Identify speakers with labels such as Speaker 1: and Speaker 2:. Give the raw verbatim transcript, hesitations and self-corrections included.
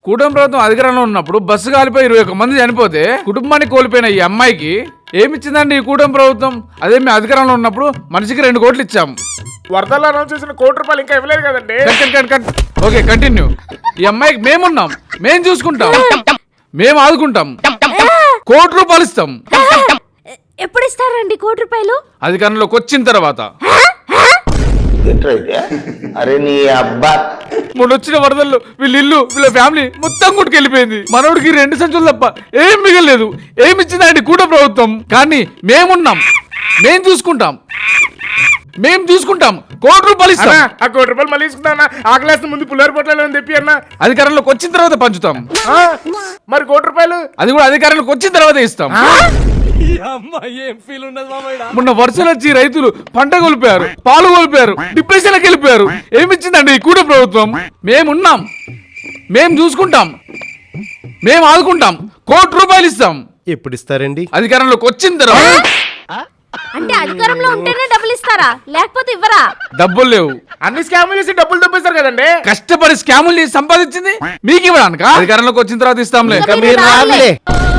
Speaker 1: కూటమి ప్రభుత్వం అధికారంలో ఉన్నప్పుడు బస్సు కాలిపోయి ఇరవై ఒక్క మంది చనిపోతే కుటుంబాన్ని కోల్పోయిన ఈ అమ్మాయికి ఏమిచ్చిందండి ఈ కూటమి ప్రభుత్వం? అదే మేము అధికారంలో ఉన్నప్పుడు మనిషికి రెండు కోట్లు ఇచ్చాం.
Speaker 2: వరదలు అనౌన్స్ చేసిన కోటి రూపాయలు ఇంకా ఇవ్వలేదు కదండి.
Speaker 1: Okay continue. ఈ అమ్మాయికి మేమున్నాం, మేం చూసుకుంటాం, మేము ఆదుకుంటాం, కోటి రూపాయలు ఇస్తాం.
Speaker 3: ఎప్పుడు ఇస్తారండి కోటి రూపాయలు?
Speaker 1: అధికారంలోకి వచ్చిన తర్వాత.
Speaker 4: అరే నీ అబ్బా
Speaker 1: మొన్న వచ్చిన వరదల్లో వీళ్ళ ఇల్లు వీళ్ళ ఫ్యామిలీ మొత్తం కొట్టుకెళ్ళిపోయింది. మనోడికి రెండు సంచులు తప్ప ఏం మిగలేదు. ఏమి ఇచ్చిందండి కూట ప్రభుత్వం? కానీ మేమున్నాం, మేం చూసుకుంటాం, మేం చూసుకుంటాం, కోటి రూపాయలు ఇస్తాం.
Speaker 2: ఆ కోటి రూపాయలు మళ్ళీ తీసుకుంటా. ఆకలేస్తే ముందు పుల్లారి పొట్టాలని తెప్పి అన్న.
Speaker 1: అధికారంలోకి వచ్చిన తర్వాత పంచుతాం.
Speaker 2: మరి కోటి రూపాయలు
Speaker 1: అది కూడా అధికారంలోకి వచ్చిన తర్వాత ఇస్తాం. మొన్న వర్షాలు వచ్చి రైతులు పంట కోల్పోయారు, పాలు కోల్పోయారు, డిప్రెషన్కి వెళ్ళిపోయారు. ఏమిచ్చిందండి ఈ కూట ప్రభుత్వం? మేమున్నాం, మేం చూసుకుంటాం, మేం ఆదుకుంటాం, కోటి రూపాయలు ఇస్తాం.
Speaker 5: ఎప్పుడు ఇస్తారండి?
Speaker 1: అధికారంలోకి వచ్చిన తర్వాత.
Speaker 3: అంటే అధికారంలో ఉంటేనే డబ్బులు ఇస్తారా, లేకపోతే ఇవ్వరా?
Speaker 1: డబ్బులు లేవు.
Speaker 2: అన్ని స్కాములు చేసి డబ్బులు తప్పిస్తారు కదండి.
Speaker 1: కష్టపడి స్కాములు చేసి సంపాదించింది మీకు ఇవ్వడానిక? అధికారంలోకి వచ్చిన తర్వాత ఇస్తాంలే.
Speaker 3: మీరు రాలే.